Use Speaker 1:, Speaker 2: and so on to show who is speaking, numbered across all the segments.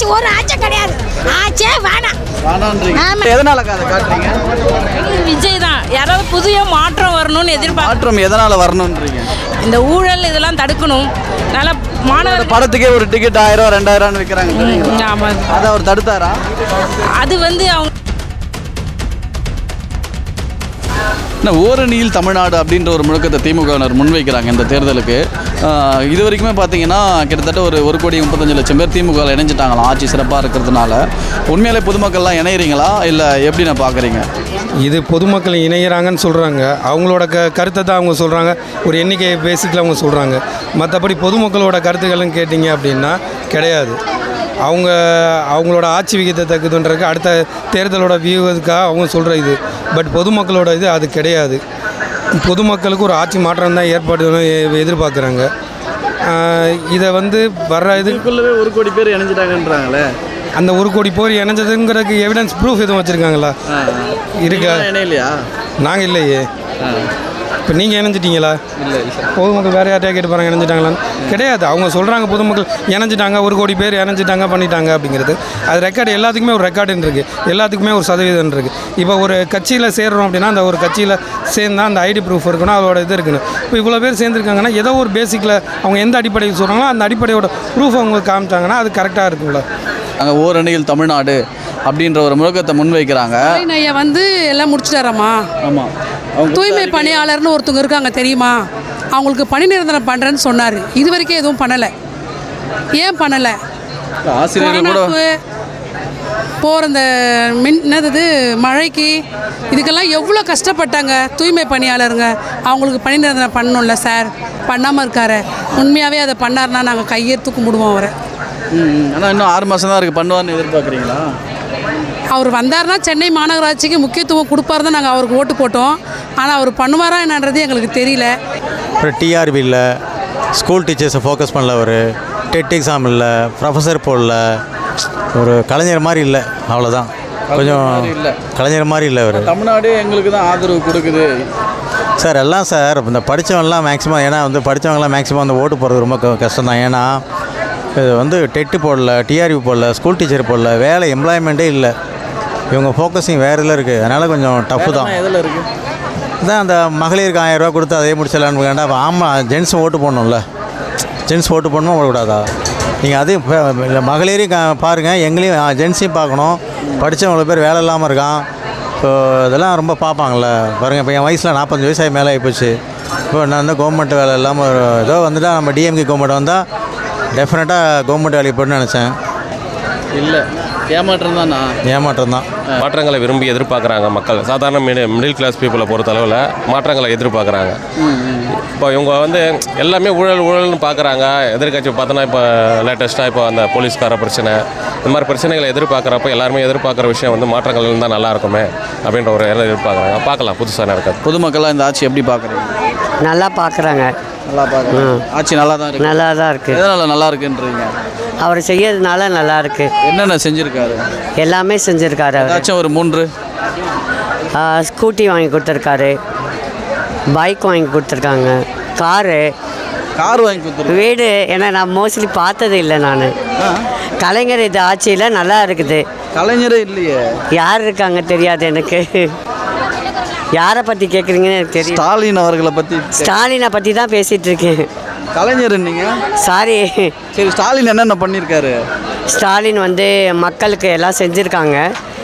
Speaker 1: ஒரு ஆட்சி கிடையாது. ஆட்சியே வேணாம்.
Speaker 2: எதனால அதை காட்டுறீங்க?
Speaker 3: விஜய் தான். யாராவது புதிய மாற்றம் வரணும்னு எதிர்பார்க்க.
Speaker 2: மாற்றம் எதனால வரணும்ன்றீங்க?
Speaker 3: இந்த ஊழல் இதெல்லாம் தடுக்கணும். நல்ல மாணவர்
Speaker 2: படத்துக்கே ஒரு டிக்கெட் 1000 2000 விற்கிறாங்க.
Speaker 3: ஆமாம்,
Speaker 2: அதை அவர் தடுத்தாரா?
Speaker 3: அது வந்து அவங்க
Speaker 2: ஓரணியில் தமிழ்நாடு அப்படின்ற ஒரு முழக்கத்தை திமுகவினர் முன்வைக்கிறாங்க இந்த தேர்தலுக்கு. இது வரைக்குமே பார்த்தீங்கன்னா கிட்டத்தட்ட ஒரு 1,35,00,000 பேர் திமுகவில் இணைஞ்சிட்டாங்களாம் ஆட்சி சிறப்பாக இருக்கிறதுனால. உண்மையிலே பொதுமக்கள்லாம் இணையிறீங்களா இல்லை எப்படி நான் பார்க்குறீங்க?
Speaker 4: இது பொதுமக்கள் இணைகிறாங்கன்னு சொல்கிறாங்க. அவங்களோட கருத்தை தான் அவங்க சொல்கிறாங்க. ஒரு எண்ணிக்கை பேசிக்கில் அவங்க சொல்கிறாங்க. மற்றபடி பொதுமக்களோட கருத்துக்கள்னு கேட்டிங்க அப்படின்னா கிடையாது. அவங்களோட ஆட்சி விகிதத்துக்குன்றதுக்கு அடுத்த தேர்தலோட வியூகத்துக்காக அவங்க சொல்கிற இது. பட் பொதுமக்களோட இது அது கிடையாது. பொதுமக்களுக்கு ஒரு ஆட்சி மாற்றம் தான் ஏற்படுன்னு எதிர்பார்க்குறாங்க. இதை வந்து வர்ற
Speaker 2: இதுக்குள்ளவே 1 கோடி பேர் இணைஞ்சிட்டாங்கன்றாங்களே.
Speaker 4: அந்த 1 கோடி பேர் இணைஞ்சதுங்கிறதுக்கு எவிடன்ஸ் ப்ரூஃப் எதுவும் வச்சுருக்காங்களா? இருக்கா?
Speaker 2: இணையிலையா?
Speaker 4: நாங்கள் இல்லையே. இப்போ நீங்கள் இணைஞ்சிட்டீங்களா?
Speaker 2: இல்லை.
Speaker 4: பொதுமக்கள் வேறு யார்ட்டையா கேட்டு போகிறாங்க இணைஞ்சிட்டாங்களான்னு? கிடையாது. அவங்க சொல்கிறாங்க பொதுமக்கள் இணைஞ்சிட்டாங்க, 1 கோடி பேர் இணைஞ்சிட்டாங்க பண்ணிட்டாங்க அப்படிங்கிறது. அது ரெக்கார்டு எல்லாத்துக்குமே ஒரு ரெக்கார்டுன்னு இருக்குது. எல்லாத்துக்குமே ஒரு சதவீதம் இருக்குது. இப்போ ஒரு கட்சியில் சேர்றோம் அப்படின்னா அந்த ஒரு கட்சியில் சேர்ந்தால் அந்த ஐடி ப்ரூஃப் இருக்கணும், அதோட இது இருக்கணும். இப்போ இவ்வளோ பேர் சேர்ந்துருக்காங்கன்னா ஏதோ ஒரு பேசிக்கில் அவங்க எந்த அடிப்படையில் சொல்கிறாங்களோ அந்த அடிப்படையோட ப்ரூஃப் அவங்க காமிச்சாங்கன்னா அது கரெக்டாக இருக்குங்களா?
Speaker 2: அங்கே ஓரணியில் தமிழ்நாடு அப்படின்ற ஒரு முழக்கத்தை முன்வைக்கிறாங்க.
Speaker 5: ஐயா வந்து எல்லாம் முடிச்சுட்டாராம்மா?
Speaker 2: ஆமாம்.
Speaker 5: தூய்மை பணியாளர்னு ஒருத்தவங்க இருக்காங்க தெரியுமா? அவங்களுக்கு பணி நிரந்தரம் பண்ணுறேன்னு சொன்னார். இது வரைக்கும் எதுவும் பண்ணலை. ஏன் பண்ணலை?
Speaker 2: ஆசிரியர்கள் கூட
Speaker 5: போகிற இந்த என்னது மழைக்கு இதுக்கெல்லாம் எவ்வளோ கஷ்டப்பட்டாங்க தூய்மை பணியாளருங்க. அவங்களுக்கு பணி நிரந்தரம் பண்ணணும்ல சார், பண்ணாமல் இருக்காரு. உண்மையாகவே அதை பண்ணார்னா நாங்கள் கையெடுத்து கும்பிடுவோம் அவரை.
Speaker 2: ஆனால் இன்னும் 6 மாதம் தான் இருக்குது. பண்ணுவார்னு எதிர்பார்க்குறீங்களா?
Speaker 5: அவர் வந்தார்னா சென்னை மாநகராட்சிக்கு முக்கியத்துவம் கொடுப்பாரு தான் நாங்கள் அவருக்கு ஓட்டு போட்டோம். ஆனால் அவர் பண்ணுவாரா என்னன்றது எங்களுக்கு தெரியல.
Speaker 6: அப்புறம் டிஆர்பி இல்லை, ஸ்கூல் டீச்சர்ஸை ஃபோக்கஸ் பண்ணல, ஒரு டெட் எக்ஸாம் இல்லை, ப்ரொஃபஸர் போடல, ஒரு கலைஞர் மாதிரி இல்லை. அவ்வளோதான். கொஞ்சம் கலைஞர் மாதிரி இல்லை அவர்.
Speaker 2: தமிழ்நாடு எங்களுக்கு தான் ஆதரவு கொடுக்குது
Speaker 6: சார். எல்லாம் சார் இந்த படித்தவங்கலாம் மேக்ஸிமம், ஏன்னா வந்து படித்தவங்களாம் மேக்ஸிமம் அந்த ஓட்டு போடுறது ரொம்ப கஷ்டம் தான். ஏன்னா இது வந்து டெட்டு போடல, டிஆர்பி போடல, ஸ்கூல் டீச்சர் போடல, வேலை எம்ப்ளாய்மெண்ட்டே இல்லை. இவங்க ஃபோக்கஸிங் வேறு இதில் இருக்குது. அதனால் கொஞ்சம் டஃப்பு தான்.
Speaker 2: எதில் இருக்குது?
Speaker 6: இதான் அந்த மகளிருக்கு 1000 ரூபா கொடுத்து அதே முடிச்சிடலான்னு வேண்டாம். ஆமாம், ஜென்ஸும் ஓட்டு போடணும்ல. ஜென்ஸ் ஓட்டு போடணுமா போடக்கூடாதா? நீங்கள் அதையும் இல்லை மகளிரையும் பாருங்கள், எங்களையும் ஜென்ஸையும் பார்க்கணும். படித்தவங்கள பேர் வேலை இல்லாமல் இருக்கான். இப்போ இதெல்லாம் ரொம்ப பார்ப்பாங்கள்ல. பாருங்கள், இப்போ என் வயசில் 45 வயசாகி மேலே ஆகிப்போச்சு. இப்போ நான் வந்து கவர்மெண்ட் வேலை இல்லாமல் ஏதோ வந்துட்டால் நம்ம டிஎம்கே கவர்மெண்ட் வந்தால் டெஃபினட்டாக கவர்மெண்ட் வேலைக்கு போய்ட்டு நினச்சேன். இல்லை, ஏமாற்றம் தானா? ஏமாற்றம் தான்.
Speaker 7: மாற்றங்களை விரும்பி எதிர்பார்க்குறாங்க மக்கள். சாதாரண மிடில் கிளாஸ் பீப்புளை பொறுத்த அளவில் மாற்றங்களை எதிர்பார்க்குறாங்க. இப்போ இவங்க வந்து எல்லாமே ஊழல்னு பார்க்குறாங்க. எதிர்கட்சி பார்த்தோன்னா இப்போ லேட்டஸ்ட்டாக இப்போ அந்த போலீஸ்கார பிரச்சனை, இந்த மாதிரி பிரச்சனைகளை எதிர்பார்க்குறப்ப எல்லாருமே எதிர்பார்க்குற விஷயம் வந்து மாற்றங்கள் இருந்தால் நல்லா இருக்குமே அப்படின்ற ஒரு எதிர்பார்க்குறாங்க. பார்க்கலாம் புதுசாக நடக்காது.
Speaker 2: பொதுமக்கள்லாம் இந்த ஆட்சி எப்படி பார்க்குறீங்க?
Speaker 8: நல்லா பார்க்குறாங்க.
Speaker 2: நல்லா பார்க்குறேன். ஆட்சி நல்லா தான் இருக்குது.
Speaker 8: நல்லா தான் இருக்குது.
Speaker 2: எதனால் நல்லா இருக்குன்றீங்க?
Speaker 8: அவர் செய்யறதுனால நல்லா இருக்குது.
Speaker 2: என்னென்ன செஞ்சுருக்காரு?
Speaker 8: எல்லாமே செஞ்சுருக்காரு. அவர்
Speaker 2: ஏதாச்சும் ஒரு 3
Speaker 8: ஸ்கூட்டி வாங்கி கொடுத்துருக்காரு, பைக் வாங்கி கொடுத்துருக்காங்க, கார்
Speaker 2: வாங்கி கொடுத்துரு,
Speaker 8: வீடு. ஏன்னா நான் மோஸ்ட்லி பார்த்தது இல்லை. நான் கலைஞர் இது ஆட்சியில் நல்லா இருக்குது.
Speaker 2: கலைஞரே இல்லையே.
Speaker 8: யார் இருக்காங்க தெரியாது எனக்கு. யாரை பற்றி கேட்குறீங்கன்னு எனக்கு தெரியும்.
Speaker 2: ஸ்டாலின் அவர்களை பற்றி.
Speaker 8: ஸ்டாலினை பற்றி தான் பேசிகிட்டு இருக்கேன்.
Speaker 2: கலைஞர் நீங்கள்
Speaker 8: சாரி.
Speaker 2: சரி, ஸ்டாலின் என்னென்ன பண்ணியிருக்காரு?
Speaker 8: ஸ்டாலின் வந்து மக்களுக்கு எல்லாம் செஞ்சுருக்காங்க.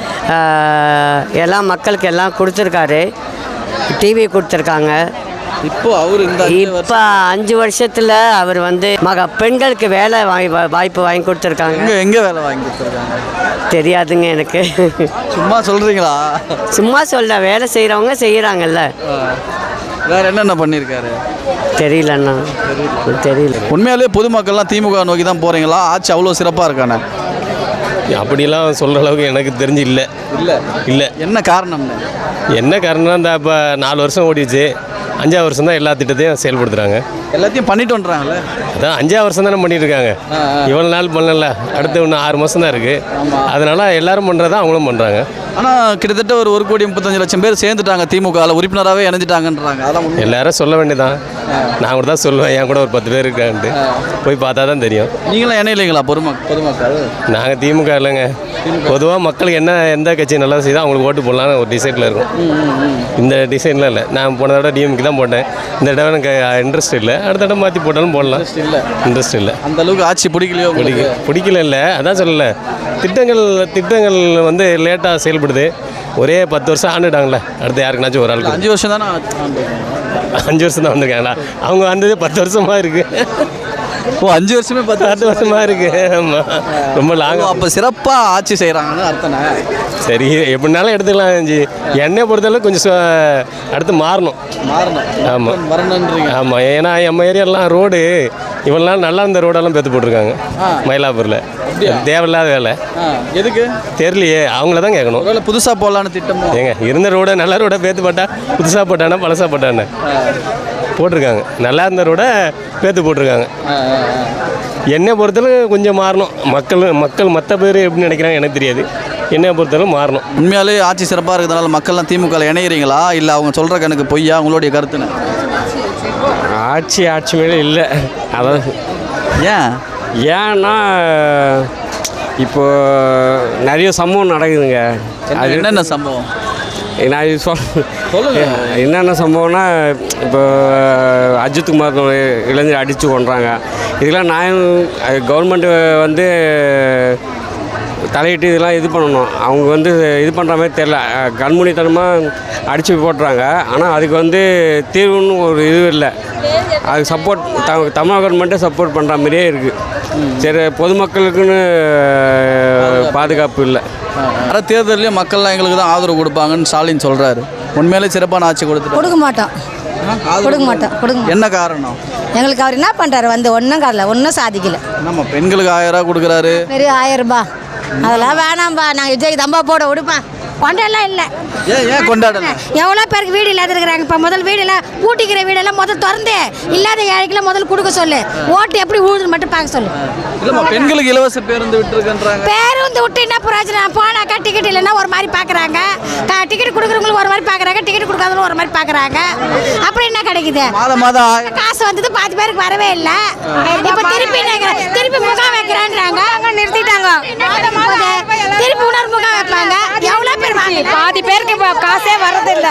Speaker 8: எல்லாம் மக்களுக்கு எல்லாம் கொடுத்துருக்காரு. டிவி கொடுத்துருக்காங்க.
Speaker 2: இப்போ அவர்
Speaker 8: இப்போ 5 வருஷத்தில் அவர் வந்து பெண்களுக்கு வேலை வாய்ப்பு வாங்கி கொடுத்துருக்காங்க.
Speaker 2: எங்கே வேலை வாங்கி கொடுத்துருக்காங்க
Speaker 8: தெரியாதுங்க எனக்கு.
Speaker 2: சும்மா சொல்கிறீங்களா?
Speaker 8: சும்மா சொல்ல, வேலை செய்கிறவங்க செய்கிறாங்கல்ல.
Speaker 2: வேறு என்னென்ன பண்ணியிருக்காரு?
Speaker 8: தெரியலண்ணா, தெரியல.
Speaker 2: உண்மையாலே பொதுமக்கள்லாம் திமுக நோக்கி தான் போகிறீங்களா? ஆட்சி அவ்வளோ சிறப்பாக இருக்கானே?
Speaker 7: அப்படிலாம் சொல்கிற அளவுக்கு எனக்கு தெரிஞ்சு இல்லை. இல்லை.
Speaker 2: என்ன காரணம்னு?
Speaker 7: என்ன காரணம்னா, இந்த இப்போ 4 வருஷம் ஓடிச்சு. 5ஆவது வருஷம் தான் எல்லா திட்டத்தையும் செயல்படுத்துகிறாங்க.
Speaker 2: எல்லாத்தையும் பண்ணிட்டு வந்துறாங்கல்ல.
Speaker 7: அதான் 5ஆவது வருஷம் தானே பண்ணிட்டு இருக்காங்க. இவ்வளோ நாள் பண்ணல, அடுத்து இன்னும் 6 மாதம் தான் இருக்குது. அதனால் எல்லாரும் பண்ணுறதா அவங்களும் பண்ணுறாங்க.
Speaker 2: ஆனால் கிட்டத்தட்ட ஒரு 1,35,00,000 பேர் சேர்ந்துட்டாங்க திமுகவில், உறுப்பினராகவே இணைஞ்சிட்டாங்கன்றாங்க. அதெல்லாம்
Speaker 7: எல்லாரும் சொல்ல வேண்டியதான். நான் கூட தான் சொல்லுவேன், என் கூட ஒரு 10 பேர் இருக்கான்ட்டு. போய் பார்த்தா தான் தெரியும்.
Speaker 2: நீங்களும் இணையிலைங்களா பொதுமக்கள்?
Speaker 7: நாங்கள் திமுக இல்லைங்க. பொதுவாக மக்களுக்கு எந்த கட்சி நல்லா செய்தோ அவங்களுக்கு ஓட்டு போடலான்னு ஒரு டிசைனில் இருக்கும். இந்த டிசைனில் இல்லை. நான் போன தடவை டிஎம்கே தான் போட்டேன். இந்த தடவை எனக்கு இன்ட்ரெஸ்ட் இல்லை. அடுத்த தடவை மாற்றி போட்டாலும் போடலாம். இன்ட்ரெஸ்ட் இல்லை.
Speaker 2: அந்த அளவுக்கு ஆட்சி பிடிக்கலையோ?
Speaker 7: பிடிக்கல இல்லை, அதான் சொல்லலை. திட்டங்கள் வந்து லேட்டாக செயல்படுது. ஒரே 10 வருஷம் ஆண்டுட்டாங்களே, அடுத்து யாருக்குனாச்சும் ஒரு ஆளுக்கு
Speaker 2: 5 வருஷம் தானே.
Speaker 7: 5 வருஷம் தான் வந்திருக்காங்களா? அவங்க வந்தது 10 வருஷமாக இருக்குது.
Speaker 2: ஓ, 5 வருஷமே 10
Speaker 7: வருஷமாக இருக்குது. ஆமாம், ரொம்ப லாங்.
Speaker 2: அப்போ சிறப்பாக ஆட்சி செய்கிறாங்கன்னு அர்த்தம்.
Speaker 7: சரி, எப்படினாலும் எடுத்துக்கலாம். என்னை பொறுத்தளவு கொஞ்சம் அடுத்து மாறணும். ஆமாம்,
Speaker 2: வரணுன்றீங்க?
Speaker 7: ஆமாம். ஏன்னா நம்ம ஏரியாலாம் ரோடு இவ்வளோ நாள் நல்லா இருந்த ரோடெல்லாம் பேத்து போட்டிருக்காங்க மயிலாப்பூரில். தேவையில்லாத வேலை.
Speaker 2: எதுக்கு
Speaker 7: தெரியலையே, அவங்கள தான் கேட்கணும்.
Speaker 2: புதுசாக போடலான்னு திட்டம்
Speaker 7: ஏங்க, இருந்த ரோடை நல்ல ரோடை பேத்து போட்டா புதுசாக போட்டானா பழசாக போட்டானே போட்டிருக்காங்க. நல்லா இருந்த ரோடை பேத்து போட்டிருக்காங்க. என்னை பொறுத்தளவு கொஞ்சம் மாறணும். மக்கள் மற்ற பேர் எப்படி நினைக்கிறாங்க எனக்கு தெரியாது. என்னை பொறுத்தளவு மாறணும்.
Speaker 2: உண்மையாலே ஆட்சி சிறப்பாக இருக்கிறதுனால மக்கள்லாம் திமுகவில் இணையிறீங்களா, இல்லை அவங்க சொல்கிற கணக்கு பொய்யா? உங்களுடைய கருத்துன்னு?
Speaker 9: ஆட்சி மேலே இல்லை. அதான் ஏன்னா இப்போ நிறைய சம்பவம் நடக்குதுங்க.
Speaker 2: அது என்னென்ன சம்பவம்?
Speaker 9: நான் என்னென்ன சம்பவம்னா, இப்போ அஜித்குமார் இளைஞர் அடித்து கொண்டுறாங்க. இதெல்லாம் கவர்மெண்ட்டு வந்து தலையிட்டு இதெல்லாம் இது பண்ணணும். அவங்க வந்து இது பண்ணுற மாதிரி தெரில, கண்மூடித்தனமாக அடித்து போட்டுறாங்க. ஆனால் அதுக்கு வந்து தீர்வுன்னு ஒரு இது இல்லை. அதுக்கு சப்போர்ட் தமிழக கவர்மெண்ட்டே சப்போர்ட் பண்ணுற மாதிரியே இருக்குது. சரி, பொதுமக்களுக்குன்னு பாதுகாப்பு இல்லை.
Speaker 2: வர தேர்தலையும் மக்கள்லாம் எங்களுக்கு தான் ஆதரவு கொடுப்பாங்கன்னு ஸ்டாலின் சொல்கிறாரு. உண்மையிலே சிறப்பான ஆட்சி
Speaker 1: கொடுக்க மாட்டோம்.
Speaker 2: என்ன காரணம்?
Speaker 1: எங்களுக்கு அவர் என்ன பண்ணுறாரு வந்து ஒன்றும் காரல, ஒன்றும் சாதிக்கல.
Speaker 2: நம்ம பெண்களுக்கு 1000 ரூபா கொடுக்குறாரு.
Speaker 1: பெரிய 1000 ரூபாய் அதெல்லாம் வேணாம்பா. நாங்கள் விஜய்க்கு தம்பா போட விடுப்பா. கொண்டாடலாம் இல்லை.
Speaker 2: ஏன் கொண்டாடல?
Speaker 1: எவ்வளோ பேருக்கு வீடு இல்லாத இருக்கிறாங்க. இப்போ முதல் வீடெல்லாம் ஊட்டிக்கிற வீடெல்லாம் முதல் திறந்து இல்லாத ஏழைக்கெல்லாம் முதல் கொடுக்க சொல்லு. ஓட்டு எப்படி ஊழுதுன்னு மட்டும் பார்க்க சொல்லு.
Speaker 2: இல்லைம்மா, பெண்களுக்கு இலவச பேருந்து விட்டுருக்குன்றாங்க.
Speaker 1: பேருந்து விட்டு என்ன பிரயோஜனம்? போனாக்கா டிக்கெட் இல்லைன்னா ஒரு மாதிரி பார்க்குறாங்க. டிக்கெட் கொடுக்குறவங்களுக்கு ஒரு மாதிரி பார்க்குறாங்க, டிக்கெட் கொடுக்காதவங்களும் ஒரு மாதிரி பார்க்குறாங்க. அப்புறம் என்ன கிடைக்குது?
Speaker 2: மாதம்
Speaker 1: காசு வந்தது பாதி பேருக்கு வரவே இல்லை. இப்போ திருப்பி முகாம் வைக்கிறான்றாங்க, நிறுத்திட்டாங்க. திருப்பி இன்னொரு முகாம் வைப்பாங்க. எவ்வளோ பேர் பாதி பேருக்கு இப்போ காசே வரதில்லை.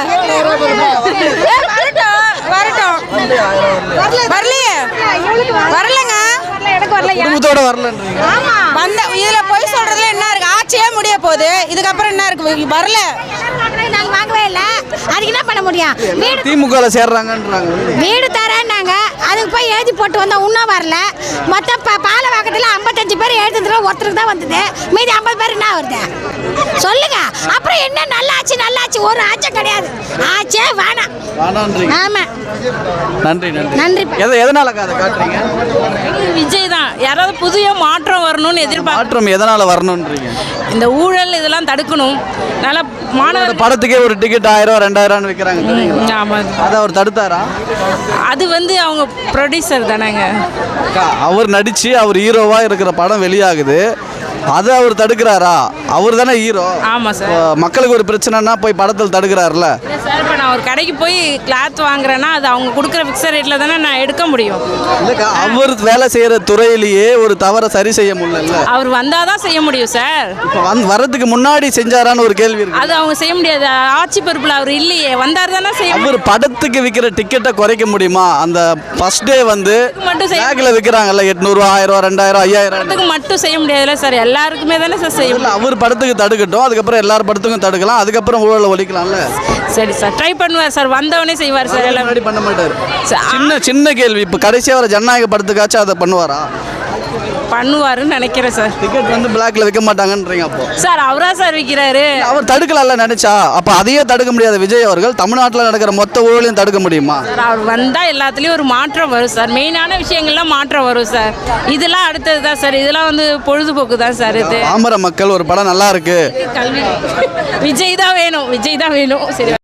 Speaker 1: வரட்டும் வரலையே, வரலங்க. எனக்கு வரல,
Speaker 2: குடும்பத்தோட வரலன்றீங்க.
Speaker 1: வந்த இதில் போய் சொல்கிறதுல என்ன இருக்குது? ஆட்சியே முடிய போகுது, இதுக்கப்புறம் என்ன இருக்குது? வரல, நாங்கள் வாங்கவே இல்லை. அதுக்கு என்ன பண்ண முடியும்? வீடு
Speaker 2: திமுகவில் சேர்றாங்கன்றாங்க.
Speaker 1: வீடு தரேன்னாங்க, அதுக்கு போய் எழுதி போட்டு வந்தால் இன்னும் வரல. மொத்தம் பாலவாக்கத்தில் 55 பேர் எழுதுறதுல ஒருத்தருக்கு தான் வந்தது. மீதி 50 பேர் என்ன வருது சொல்லுங்க. அப்புறம் என்ன நல்லாச்சு? ஒரு ஆட்சியும் கிடையாது. ஆச்சே வேணாம். ஆமாம். நன்றி.
Speaker 2: எதனால அதை காட்டுறீங்க?
Speaker 3: விஜய் தான். யாராவது புதிய மாற்றம் வரணும்னு எதிர்பார்க்க.
Speaker 2: மாற்றம் எதனால வரணும்ன்றீங்க?
Speaker 3: இந்த ஊழல் இதெல்லாம் தடுக்கணும். நல்லா மாணவர்
Speaker 2: படத்துக்கே ஒரு டிக்கெட் 1000 2000 விற்கிறாங்க.
Speaker 3: ஆமாம்,
Speaker 2: அதை அவர் தடுத்தாரா?
Speaker 3: அது வந்து அவங்க ப்ரொடியூசர் தானேங்க.
Speaker 2: அவர் நடித்து அவர் ஹீரோவாக இருக்கிற படம் வெளியாகுது, அதை அவர் தடுக்கிறாரா? அவர் தானே ஹீரோ.
Speaker 3: ஆமாம் சார்.
Speaker 2: மக்களுக்கு ஒரு பிரச்சனைனா போய் படத்தில் தடுக்கிறாருல
Speaker 3: சார். இப்போ நான் ஒரு கடைக்கு போய் கிளாத் வாங்குறேன்னா அது அவங்க கொடுக்குற ஃபிக்ஸட் ரேட்டில் தானே நான் எடுக்க முடியும்.
Speaker 2: அவர் வேலை செய்கிற துறையிலேயே ஒரு தவறை சரி செய்ய முடியல.
Speaker 3: அவர் வந்தால் தான் செய்ய முடியும் சார்.
Speaker 2: இப்போ வரதுக்கு முன்னாடி செஞ்சாரான்னு ஒரு கேள்வி இருக்கு.
Speaker 3: அது அவங்க செய்ய முடியாது. ஆட்சி பொறுப்பில் அவர் இல்லையே, வந்தார் தானே செய்ய.
Speaker 2: அவர் படத்துக்கு விற்கிற டிக்கெட்டை குறைக்க முடியுமா? அந்த ஃபர்ஸ்ட் டே வந்து பேக்கில் விற்கிறாங்கல்ல, 800 1000 2000 5000
Speaker 3: மட்டும் செய்ய முடியாதுல்ல சார். எல்லாருக்குமே தானே சார் செய்ய முடியும்.
Speaker 2: அவர் படத்துக்கு தடுக்கட்டும், அதுக்கப்புறம் எல்லார் படத்துக்கும் தடுக்கலாம், அதுக்கப்புறம் ஊழலை ஒழிக்கலாம்ல.
Speaker 3: சரி சார், ட்ரை பண்ணுவார் சார். வந்தவனே செய்வார் சார். எல்லாம்
Speaker 2: பண்ண மாட்டார். சின்ன கேள்வி, இப்போ கடைசியாக வர ஜனநாயக படத்துக்காச்சும் அதை பண்ணுவாரா?
Speaker 3: பண்ணுவாருன்னு நினைக்கிறேன் சார்.
Speaker 2: டிக்கெட் வந்து பிளாக்ல விற்க மாட்டாங்கன்றீங்க. அப்போ
Speaker 3: சார் அவரா சார் விற்கிறாரு.
Speaker 2: அவர் தடுக்கலாம்ல நினைச்சா. அப்போ அதையே தடுக்க முடியாத விஜய் அவர்கள் தமிழ்நாட்டில் நடக்கிற மொத்த ஊழலையும் தடுக்க முடியுமா?
Speaker 3: சார் அவர் வந்தால் எல்லாத்துலேயும் ஒரு மாற்றம் வரும் சார். மெயினான விஷயங்கள்லாம் மாற்றம் வரும் சார். இதெல்லாம் அடுத்தது தான் சார். இதெல்லாம் வந்து பொழுதுபோக்கு தான் சார். இது
Speaker 2: பாமர மக்கள் ஒரு படம் நல்லா இருக்கு,
Speaker 3: கல்வி விஜய் தான் வேணும், விஜய் தான் வேணும். சரி.